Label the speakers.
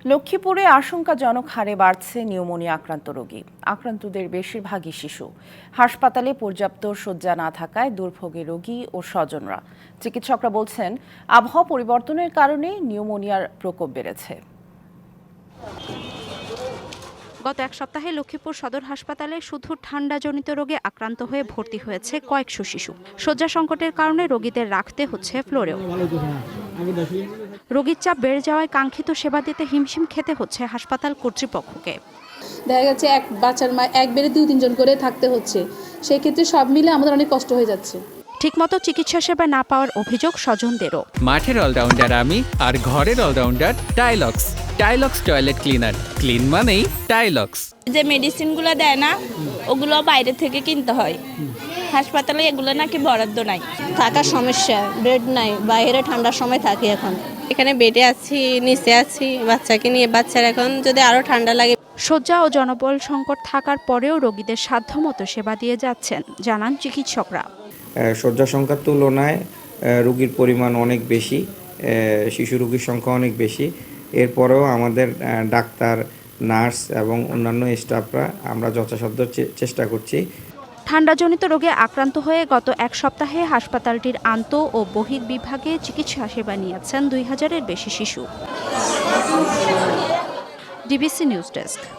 Speaker 1: লক্ষ্মীপুরে আশঙ্কাজনক হারে বাড়ছে নিউমোনিয়া আক্রান্ত রোগী। আক্রান্তদের বেশিরভাগই শিশু। হাসপাতালে পর্যাপ্ত শয্যা না থাকায় দুর্ভোগে রোগী ও স্বজনরা। চিকিৎসকরা বলছেন, আবহাওয়া পরিবর্তনের কারণে নিউমোনিয়ার প্রকোপ বেড়েছে।
Speaker 2: গত এক সপ্তাহে লক্ষ্মীপুর সদর হাসপাতালে শুধু ঠান্ডাজনিত রোগে আক্রান্ত হয়ে ভর্তি হয়েছে কয়েকশো শিশু। শয্যা সংকটের কারণে রোগীদের রাখতে হচ্ছে ফ্লোরেও। রোগীর চাপ বেড়ে যাওয়ায় কাঙ্ক্ষিত সেবা দিতে হিমশিম খেতে হচ্ছে হাসপাতাল কর্তৃপক্ষকে।
Speaker 3: দেখা যাচ্ছে এক বাচ্চার মা এক বেডে 2-3 জন করে থাকতে হচ্ছে। সেই ক্ষেত্রে সব মিলে আমাদের অনেক কষ্ট হয়ে যাচ্ছে।
Speaker 2: ঠিকমতো চিকিৎসা সেবা না পাওয়ার অভিযোগ স্বজনদেরও।
Speaker 4: মাঠের অলরাউন্ডার আমি, আর ঘরের allrounder Tylox. Tylox toilet cleaner, clean মানেই টাইলক্স।
Speaker 5: যে মেডিসিনগুলো দেয় না, ওগুলো বাইরে থেকে কিনতে হয়। হাসপাতালে এগুলো নাকি বরাদ্দ নাই।
Speaker 6: থাকার সমস্যা, বেড নাই, বাইরে ঠান্ডার সময় থাকি। এখন
Speaker 7: এখানে বেডে আছি, নিচে আছি বাচ্চাকে নিয়ে। বাচ্চার এখন যদি আরো ঠান্ডা লাগে।
Speaker 2: শয্যা ও জনবল সংকট থাকার পরেও রোগীদের সাধ্যমতো সেবা দিয়ে যাচ্ছেন, জানান চিকিৎসকরা।
Speaker 8: শয্যা সংখ্যার তুলনায় রোগীর পরিমাণ অনেক বেশি, শিশু রোগীর সংখ্যা অনেক বেশি। এরপরেও আমাদের ডাক্তার, নার্স এবং অন্যান্য স্টাফরা আমরা যথাসাধ্য চেষ্টা করছি।
Speaker 2: ঠান্ডাজনিত রোগে আক্রান্ত হয়ে গত এক সপ্তাহে হাসপাতালটির আন্ত ও বহির্বিভাগে চিকিৎসা সেবা নিয়েছেন 2000-এর বেশি শিশু। DBC news desk.